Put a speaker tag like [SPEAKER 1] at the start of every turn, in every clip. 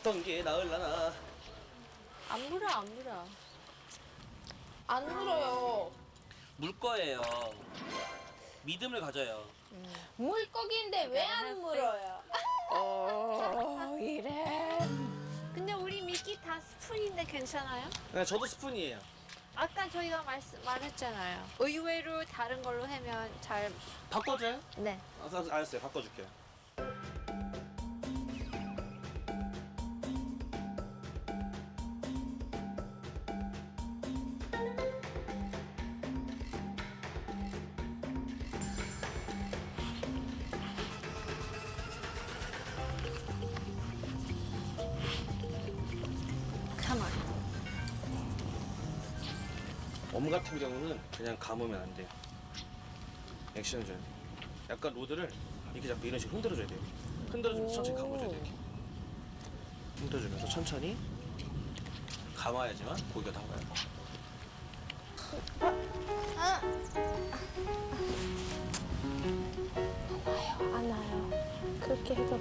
[SPEAKER 1] 어떤 게 나을라나.
[SPEAKER 2] 안 물어, 안 물어.
[SPEAKER 3] 안 물어요.
[SPEAKER 1] 물 거예요. 믿음을 가져요.
[SPEAKER 3] 물고기인데 왜 안 물어요? 이래.
[SPEAKER 2] 근데 우리 미끼 다 스푼인데 괜찮아요?
[SPEAKER 1] 네, 저도 스푼이에요.
[SPEAKER 2] 아까 저희가 말했잖아요. 의외로 다른 걸로 하면 잘.
[SPEAKER 1] 바꿔줘요?
[SPEAKER 2] 네.
[SPEAKER 1] 알았어요. 바꿔줄게요.
[SPEAKER 2] 가만.
[SPEAKER 1] 엄 같은 경우는 그냥 감으면 안 돼요. 액션을 줘야 돼요. 약간 로드를 이렇게 잡고 이런 식으로 흔들어줘야 돼요. 흔들어주면서 천천히 감아줘야 돼요. 이렇게. 흔들어주면서 천천히 감아야지만 고기가 나와요.
[SPEAKER 3] 안 와요. 그렇게 해도.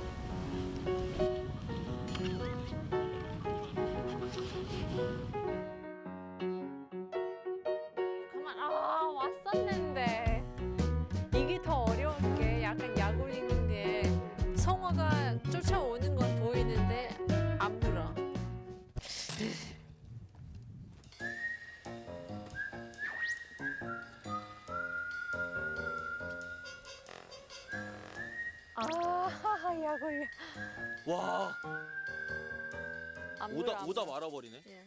[SPEAKER 2] 가만. 왔었는데. 이게 더 어려운 게 약간 약 올리는 게 성화가 쫓아오는 건 보이는데 안 물어. 약 올려.
[SPEAKER 1] 와,
[SPEAKER 2] 안 물어.
[SPEAKER 1] 오다 말아버리네.
[SPEAKER 2] 예.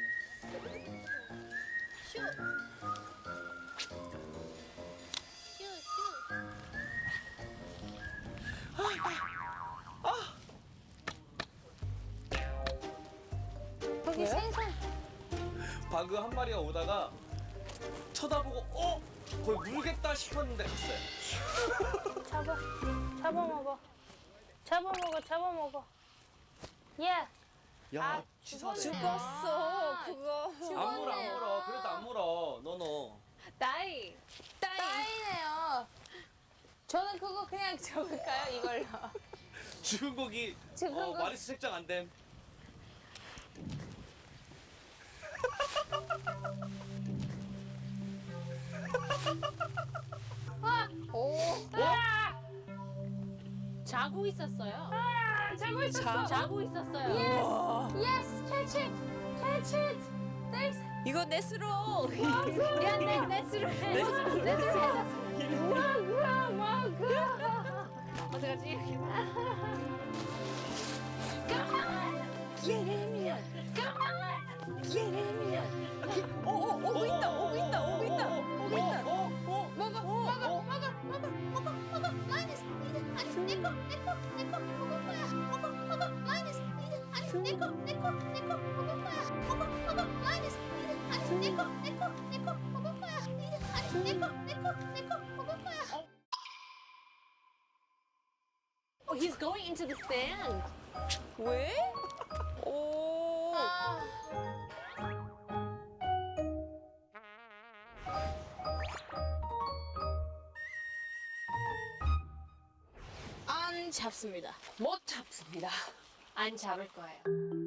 [SPEAKER 3] 거기 생선.
[SPEAKER 1] 바그 한 마리가 오다가 쳐다보고 거의 물겠다 싶었는데 갔어요.
[SPEAKER 3] 잡아먹어. 잡아먹어. 예.
[SPEAKER 1] 야, 치사하네.
[SPEAKER 3] 죽었어. 그거.
[SPEAKER 1] 안 물어. 그래도 안 물어. 너너.
[SPEAKER 2] 따이.
[SPEAKER 3] 따이네요. 저는 그거 그냥 적을까요? 이걸로.
[SPEAKER 1] 죽은 고기
[SPEAKER 3] 죽은 고기.
[SPEAKER 1] 마리수 책정 안 됨.
[SPEAKER 2] 자고 있었어요.
[SPEAKER 3] 자고 있었어.
[SPEAKER 2] 자고 있었어요.
[SPEAKER 3] Yes, catch it. Catch it. There's.
[SPEAKER 2] 이거 넷으로. 야, 넷으로 해. 넷으로 해.
[SPEAKER 3] 먹어.
[SPEAKER 2] 어떡하지?
[SPEAKER 3] 예레미야. 예레미야. 오고 있다. 먹어. 마이너스. 아니, 내꺼 먹을 거야. 먹어. 마이너스. 아니, 내꺼 먹을 거야. 먹어. 마이너스. 아니, 내꺼 먹을 거야. 아니, 내꺼 먹을 거야.
[SPEAKER 2] Oh, he's going into the sand.
[SPEAKER 3] 왜? 오. 안 잡습니다. 못 잡습니다.
[SPEAKER 2] 안 잡을 거예요.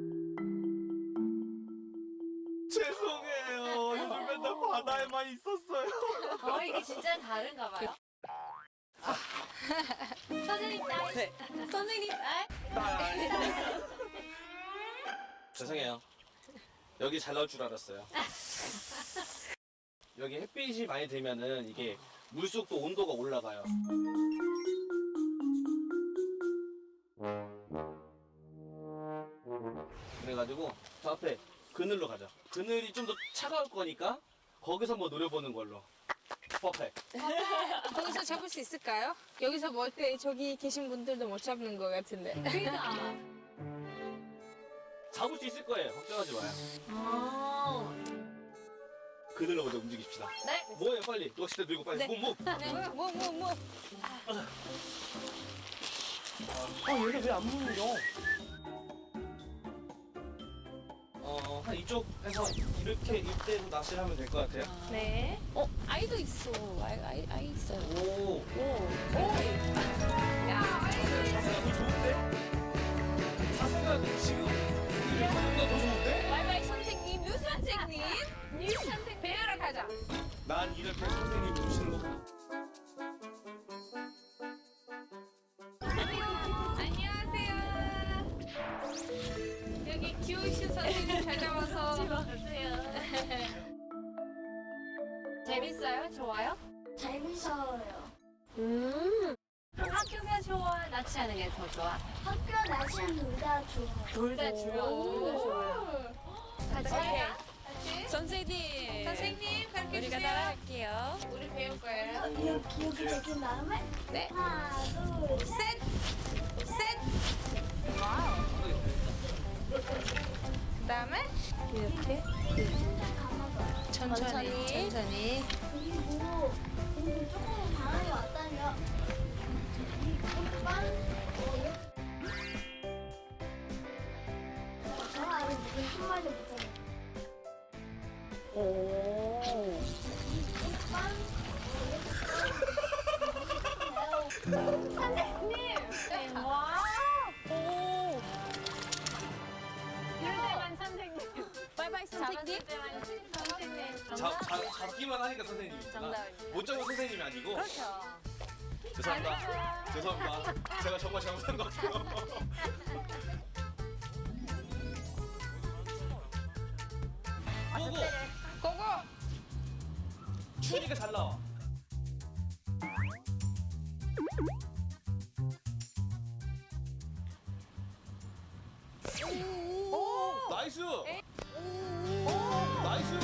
[SPEAKER 1] 죄송해요. 요즘 맨날 바다에만 있었어요.
[SPEAKER 2] 이게 진짜 다른가 봐요. 선생님 따이.
[SPEAKER 1] 네.
[SPEAKER 2] 선생님 따이.
[SPEAKER 1] 죄송해요. 여기 잘 나올 줄 알았어요. 여기 햇빛이 많이 되면은 이게 물속도 온도가 올라가요. 그래가지고 저 앞에 그늘로 가자. 그늘이 좀 더 차가울 거니까 거기서 뭐 노려보는 걸로. 퍼펙.
[SPEAKER 3] 거기서 잡을 수 있을까요? 여기서 뭐 어때? 저기 계신 분들도 못 잡는 것 같은데.
[SPEAKER 2] 그러니까.
[SPEAKER 1] 잡을 수 있을 거예요. 걱정하지 마요. 그늘로 먼저 움직입시다.
[SPEAKER 2] 네.
[SPEAKER 1] 뭐예요 빨리. 낚싯대 들고 빨리.
[SPEAKER 3] 네.
[SPEAKER 1] 뭐.
[SPEAKER 3] 네. 뭐.
[SPEAKER 1] 얘네 왜 안 물려? 한 이쪽에서 이렇게 이때로 낚시를 하면 될 것 같아요.
[SPEAKER 3] 네. 아이도 있어. 아이 있어요.
[SPEAKER 1] 오.
[SPEAKER 3] 오.
[SPEAKER 1] 자세가 더 좋은데? 자세가 지금 이거보다 더 좋은데?
[SPEAKER 3] 바이바이 선생님, 뉴 선생님. 뉴 선생님. 배우러 가자.
[SPEAKER 1] 난 이렇게 선생님 모시는 거.
[SPEAKER 3] 안녕하세요. 여기 귀여우신 선생님 찾아와서. 재밌어요? 좋아요?
[SPEAKER 4] 재밌어요.
[SPEAKER 3] 학교가 좋아? 낚시하는 게 더 좋아?
[SPEAKER 4] 학교 날씨는 둘다 좋아요.
[SPEAKER 3] 둘 다 좋아요. 같이 해요.
[SPEAKER 2] 선생님.
[SPEAKER 3] 선생님, 가르쳐
[SPEAKER 2] 우리가
[SPEAKER 3] 주세요.
[SPEAKER 2] 따라할게요.
[SPEAKER 3] 우리 배울 거예요.
[SPEAKER 4] 여기 적인 다음에
[SPEAKER 3] 네.
[SPEAKER 4] 하나, 둘, 셋.
[SPEAKER 3] 셋. 그다음에 이렇게
[SPEAKER 4] 감아봐요.
[SPEAKER 3] 천천히.
[SPEAKER 4] 그리고 조금 바람이 왔다면 빵. 저 아래 무슨 한 마리 못하네. 빵.
[SPEAKER 3] 선생님. 와.
[SPEAKER 2] 오.
[SPEAKER 3] 이럴 때만 선생님.
[SPEAKER 2] 바이바이 선생님.
[SPEAKER 3] 선생님.
[SPEAKER 1] 잡기만 하니까 선생님이구나.
[SPEAKER 2] 정답입니다.
[SPEAKER 1] 못 잡은 선생님이 아니고.
[SPEAKER 2] 그렇죠.
[SPEAKER 1] 죄송합니다. 죄송합니다. 제가 정말 잘못한 것 같아요. 고고.
[SPEAKER 3] 고고.
[SPEAKER 1] 추우니까 잘 나와.
[SPEAKER 3] 오.
[SPEAKER 1] 나이스. 나이스.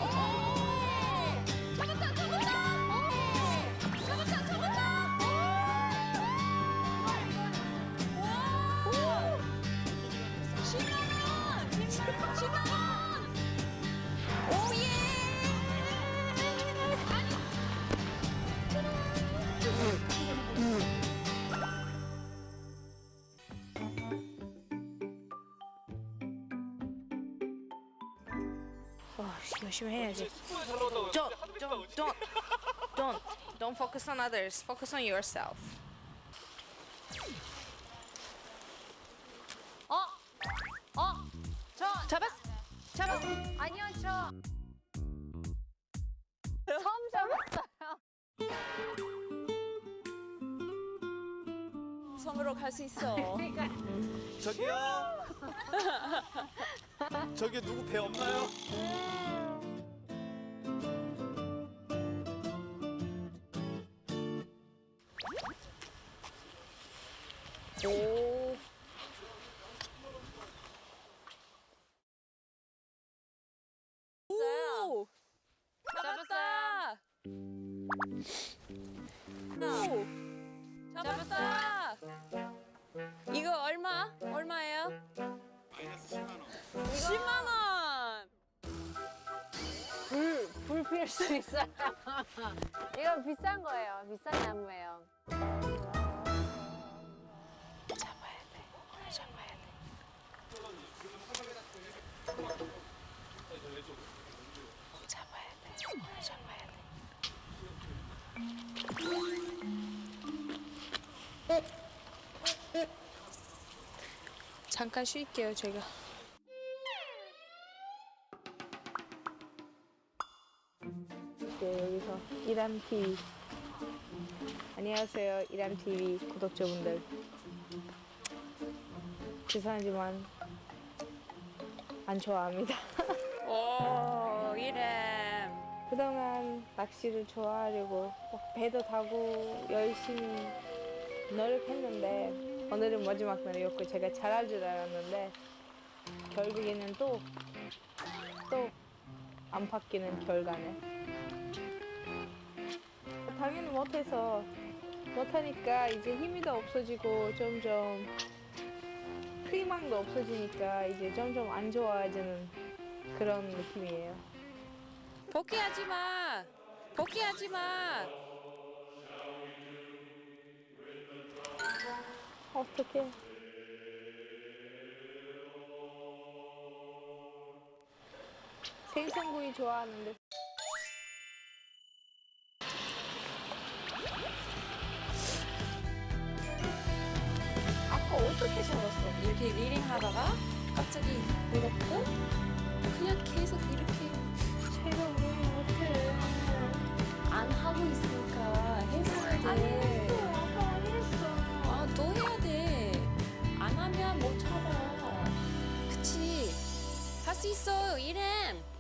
[SPEAKER 3] 열심히 해야지.
[SPEAKER 1] 잘 나온다고요.
[SPEAKER 3] Don't focus on others. Focus on yourself.
[SPEAKER 2] 잡았어.
[SPEAKER 3] 아니요, 저. 처음 잡았어요.
[SPEAKER 2] 섬으로 갈 수 있어.
[SPEAKER 1] 저기요. 저기 누구 배 없나요?
[SPEAKER 2] 오. 오. 잡았다. 오. 잡았다. 이거 얼마예요? 마이너스 10만 원. 10만 원.
[SPEAKER 3] 불 피울 수 있어요. 이거 비싼 거예요. 비싼 나무예요. 잡아야 돼. 잡아야 돼. 잡아야 돼. 잡아야 돼. 잠깐 쉴게요, 제가. 여기서 이람TV. 안녕하세요, 이람TV 구독자분들. 죄송하지만 안 좋아합니다.
[SPEAKER 2] 오, 이름.
[SPEAKER 3] 그동안 낚시를 좋아하려고 막 배도 타고 열심히 노력했는데 오늘은 마지막 날이었고 제가 잘할 줄 알았는데 결국에는 또 안 바뀌는 결과네. 당연히 못하니까 이제 힘이 더 없어지고 점점 희망도 없어지니까 이제 점점 안 좋아지는 그런 느낌이에요.
[SPEAKER 2] 포기하지 마. 포기하지 마.
[SPEAKER 3] 어떡해. 생선구이 좋아하는데. 아까
[SPEAKER 2] 어떻게 잡았어? 이렇게 리링 하다가 갑자기 물었고 그냥 계속 이렇게
[SPEAKER 3] 제가 뭐 못해.
[SPEAKER 2] 안 하고 있으니까 해봐야 돼.
[SPEAKER 4] 안 했어. 아빠 안 했어.
[SPEAKER 2] 아, 너 해야 돼. 안 하면 못 잡아. 그치? 할 수 있어, 이름.